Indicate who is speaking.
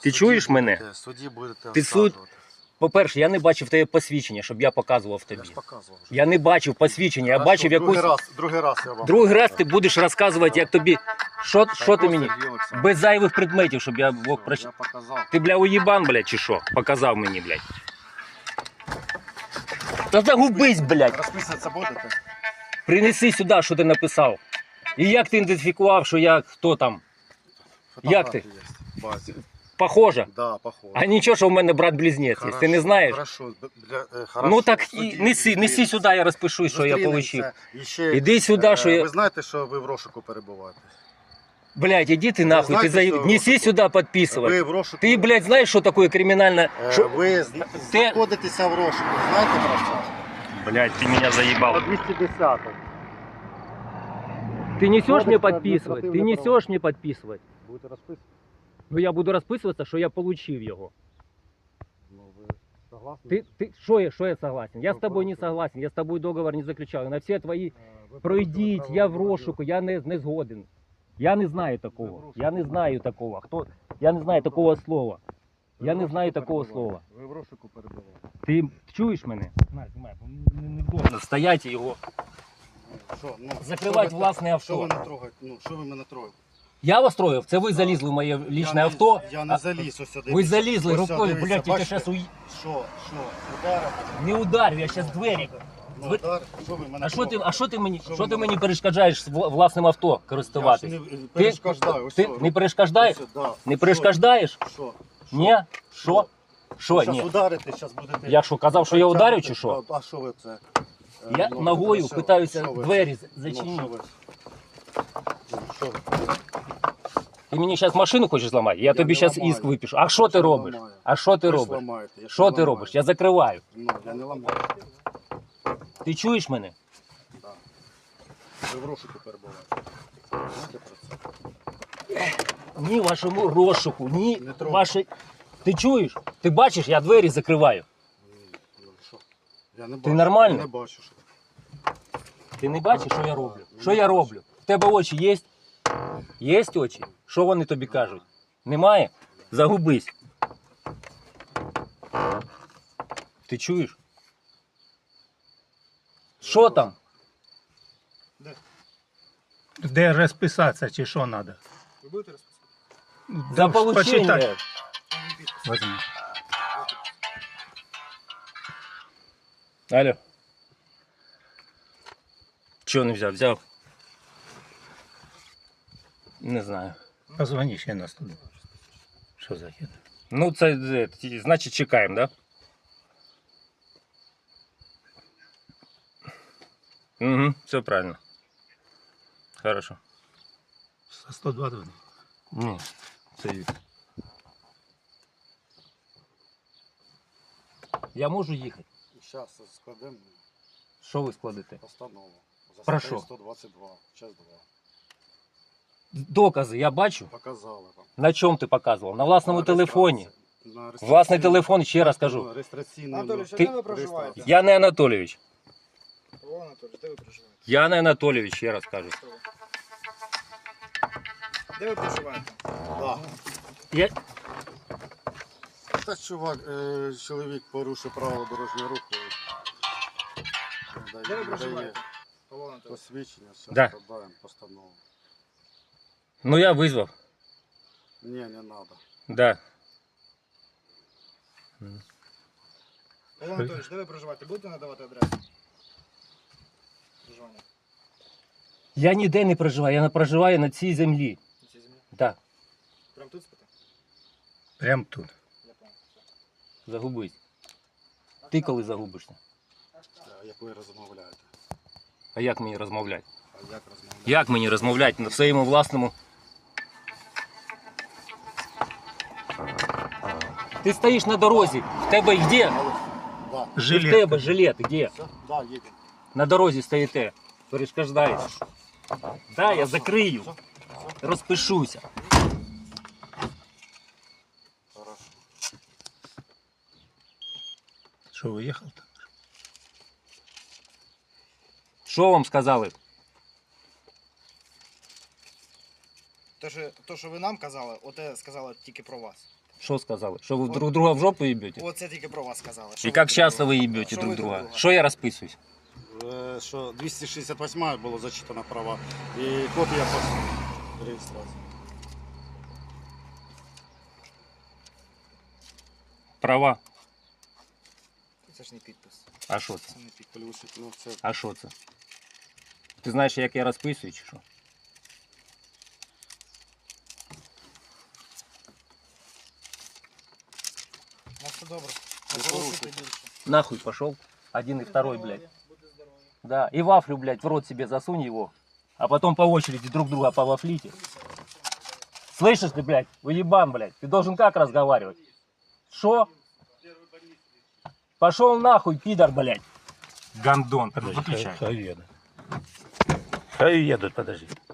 Speaker 1: Ти чуєш мене?
Speaker 2: Судді будете
Speaker 1: Ти суд-
Speaker 2: оскаржувати.
Speaker 1: По-перше, я не бачив тебе посвідчення, щоб я показував
Speaker 2: Я
Speaker 1: тобі.
Speaker 2: ж показував. вже.
Speaker 1: Я не бачив посвідчення, я
Speaker 2: Хорошо,
Speaker 1: бачив якусь...
Speaker 2: Другий раз я вам.
Speaker 1: Другий раз ти будеш розказувати, як тобі... Що ти
Speaker 2: просто
Speaker 1: мені?
Speaker 2: Сергій Олександрович.
Speaker 1: Без зайвих предметів, щоб я мог
Speaker 2: Я
Speaker 1: прочитати.
Speaker 2: показав.
Speaker 1: Ти, бля, уїбан, блядь, чи що? Показав мені, блядь. Та загубись, блядь.
Speaker 2: Розписуватися будете?
Speaker 1: Принеси сюди, що ти написав. І як ти ідентифікував, що я хто там? Як ти?
Speaker 2: Фотографії є в базі.
Speaker 1: Похоже?
Speaker 2: Да, похоже.
Speaker 1: А нічого, що в мене брат-близнець є. Ти не знаєш?
Speaker 2: Хорошо, хорошо.
Speaker 1: Ну так і
Speaker 2: Судді,
Speaker 1: неси сюди, я розпишусь, що я
Speaker 2: зустрінемося.
Speaker 1: отримав.
Speaker 2: І ще,
Speaker 1: Іди сюди, що я...
Speaker 2: Ви знаєте, що ви в розшуку перебуваєте?
Speaker 1: Блядь, иди ты нахуй,
Speaker 2: знаете,
Speaker 1: ты за...
Speaker 2: что-
Speaker 1: неси сюда
Speaker 2: Ви
Speaker 1: подписывать.
Speaker 2: в розшуку...
Speaker 1: Ты, блядь, знаешь, что такое криминально... Шо...
Speaker 2: Ви знаходитеся в розшуку. Знаєте про це?
Speaker 1: Блядь, ты меня заебал.
Speaker 2: По 210.
Speaker 1: Ты несешь
Speaker 2: Кодекс
Speaker 1: мне
Speaker 2: про
Speaker 1: подписывать? Ты
Speaker 2: административное
Speaker 1: несешь мне подписывать?
Speaker 2: Будете розписувати?
Speaker 1: Ну я буду расписываться, что я получил его.
Speaker 2: Ну, ви согласні?
Speaker 1: Что я согласен? Я с тобой не согласен, я с тобой договор не заключал. На все твои
Speaker 2: Ви
Speaker 1: пройдіть,
Speaker 2: порушили
Speaker 1: я в
Speaker 2: правила
Speaker 1: розшуку, я не згоден. Я не знаю такого. Я не знаю такого. Хто? Я не знаю такого слова.
Speaker 2: Ви
Speaker 1: Я
Speaker 2: в
Speaker 1: не знаю
Speaker 2: розшуку
Speaker 1: такого
Speaker 2: перебуваєте.
Speaker 1: слова.
Speaker 2: Ви в розшуку перебуваєте.
Speaker 1: Ти чуєш мене? Знімай, не можна стояти і його.
Speaker 2: Що, ну,
Speaker 1: Закривати
Speaker 2: що ви-
Speaker 1: власне
Speaker 2: Що ви
Speaker 1: авто.
Speaker 2: не трогаєте? Ну, що ви мене трогаєте?
Speaker 1: Я вас троїв, це ви залізли в моє лічне
Speaker 2: Я
Speaker 1: авто.
Speaker 2: Я не заліз, ось сюди.
Speaker 1: Ви залізли
Speaker 2: Ось
Speaker 1: рукою,
Speaker 2: дивіться,
Speaker 1: блядь, я
Speaker 2: бачите?
Speaker 1: зараз
Speaker 2: Що, ударите?
Speaker 1: не ударю, я зараз двері.
Speaker 2: Ну, удар, що ви мене
Speaker 1: А що ти мені,
Speaker 2: Що
Speaker 1: що
Speaker 2: ви
Speaker 1: ти
Speaker 2: мене-
Speaker 1: мені перешкоджаєш з власним авто
Speaker 2: Я ж
Speaker 1: користуватись?
Speaker 2: не перешкоджаю. ось
Speaker 1: Ти
Speaker 2: що,
Speaker 1: не перешкоджаєш?
Speaker 2: ось, да.
Speaker 1: Не перешкоджаєш?
Speaker 2: Що?
Speaker 1: Ні? Що? Що?
Speaker 2: Щас
Speaker 1: Ні.
Speaker 2: ударите, зараз будете...
Speaker 1: Я що, казав, що я ударю чи що?
Speaker 2: А що ви це?
Speaker 1: Я
Speaker 2: Ну,
Speaker 1: ногою
Speaker 2: що-
Speaker 1: питаюся
Speaker 2: що ви?
Speaker 1: двері
Speaker 2: Ну,
Speaker 1: зачинити.
Speaker 2: що ви? Ну, що ви?
Speaker 1: Ти мені зараз машину хочеш зламати? Я тобі
Speaker 2: не
Speaker 1: зараз
Speaker 2: ламаю.
Speaker 1: іскт випишу. А що ти
Speaker 2: Я не
Speaker 1: робиш?
Speaker 2: ламаю.
Speaker 1: А що ти
Speaker 2: Ви ж
Speaker 1: робиш?
Speaker 2: ламаєте, я ж
Speaker 1: Що
Speaker 2: не
Speaker 1: ти
Speaker 2: ламаю.
Speaker 1: робиш? Я закриваю.
Speaker 2: Ну, я не ламаю.
Speaker 1: Ти чуєш мене?
Speaker 2: Да. Ви в розшуку перебуваєте. Знаєте про це?
Speaker 1: Ні вашому розшуку, ні
Speaker 2: Не трогай.
Speaker 1: вашій... Ти чуєш? Ти бачиш, я двері закриваю.
Speaker 2: Ну, що? Я не
Speaker 1: Ти
Speaker 2: бачу.
Speaker 1: нормально?
Speaker 2: Я не бачу, що.
Speaker 1: Ти не бачиш, що я роблю? Що я роблю? В тебе очі є? Є очі? Що вони тобі кажуть? Немає? Загубись. Ти чуєш? Що там?
Speaker 3: Де розписатися чи що треба?
Speaker 2: Ви будете розписувати?
Speaker 1: За получення.
Speaker 3: Возьми.
Speaker 1: Алло. Чого не взяв? Взяв? Не знаю.
Speaker 3: Позвони ще нас туди. Що за хід?
Speaker 1: Ну, це значить чекаємо, да? Угу, все правильно. Хорошо.
Speaker 3: 120.
Speaker 1: Ні, це я можу їхати.
Speaker 2: Зараз складемо
Speaker 1: Що ви складете?
Speaker 2: постанову. За
Speaker 1: Про
Speaker 2: статтею
Speaker 1: що?
Speaker 2: 122, час 2.
Speaker 1: Докази я бачу.
Speaker 2: Показали вам.
Speaker 1: На чому ти показував? На власному
Speaker 2: На
Speaker 1: телефоні.
Speaker 2: реєстрації. На реєстраційному-
Speaker 1: Власний телефон, ще раз кажу.
Speaker 2: Реєстраційний
Speaker 4: Анатолійович, а
Speaker 1: Ти-
Speaker 4: де ви проживаєте?
Speaker 1: Я не Анатолійович.
Speaker 4: Павло Анатолійович, де ви проживаєте?
Speaker 1: Я не Анатолійович, ще раз кажу.
Speaker 4: Де ви проживаєте?
Speaker 2: Да.
Speaker 1: Я...
Speaker 2: Та чувак, чоловік порушив правила дорожнього руху.
Speaker 4: Де ви проживаєте? Павло Анатолійович.
Speaker 2: Посвідчення, все
Speaker 1: Да.
Speaker 2: складаємо постанову.
Speaker 1: Ну я визвав.
Speaker 2: Ні, не треба.
Speaker 1: Да.
Speaker 4: Павло Анатолійович, де ви проживаєте? Будете надавати адресу? Проживання.
Speaker 1: Я ніде не проживаю, я не проживаю на цій землі.
Speaker 4: На цій землі?
Speaker 1: Так,
Speaker 4: Прямо тут спите?
Speaker 3: Прям тут.
Speaker 4: Я понял. Все.
Speaker 1: загубись. Ти коли загубишся?
Speaker 2: Як ви розмовляєте?
Speaker 1: А як мені розмовляти?
Speaker 2: А як розмовляєте?
Speaker 1: Як мені розмовляти на своєму власному? Ти стоїш на дорозі, в тебе де?
Speaker 2: Да.
Speaker 1: В
Speaker 3: Жилет.
Speaker 1: тебе жилет, де?
Speaker 2: Все? Да, їдемо.
Speaker 1: На дорозі стоїте, перешкоджаєш. Да, я закрию, розпишуся.
Speaker 2: Хорошо.
Speaker 3: Що, виїхав там?
Speaker 1: Що вам сказали?
Speaker 4: То, що ви нам казали, оте сказали тільки про вас.
Speaker 1: Что сказали? Что вы друг друга в жопу ебете?
Speaker 4: Оце тільки про вас сказали.
Speaker 1: И как часто вы ебете
Speaker 4: Що
Speaker 1: друг
Speaker 4: ви
Speaker 1: друга?
Speaker 4: друга?
Speaker 1: Что я расписываюсь?
Speaker 2: Що 268 було зачитано права і копія по реєстрації.
Speaker 1: Права.
Speaker 4: Це ж не підпис.
Speaker 1: А що це?
Speaker 4: Це не підпис.
Speaker 2: Плюс, ну це
Speaker 1: А що це? Ти знаєш, як я розписую, чи що?
Speaker 4: У нас все добре.
Speaker 2: Не
Speaker 4: Не порушуйте
Speaker 2: порушуйте.
Speaker 4: більше.
Speaker 1: Нахуй пошел. Один и второй, блядь. Да, и вафлю, блядь, в рот себе засунь его. А потом по очереди друг друга повафлите. Слышишь ты, блядь, уебан, блядь. Ты должен как разговаривать? Шо? Пошел нахуй, пидор, блядь. Гандон.
Speaker 3: Подожди,
Speaker 1: Выключай.
Speaker 3: хай едут. Хай едут, подожди.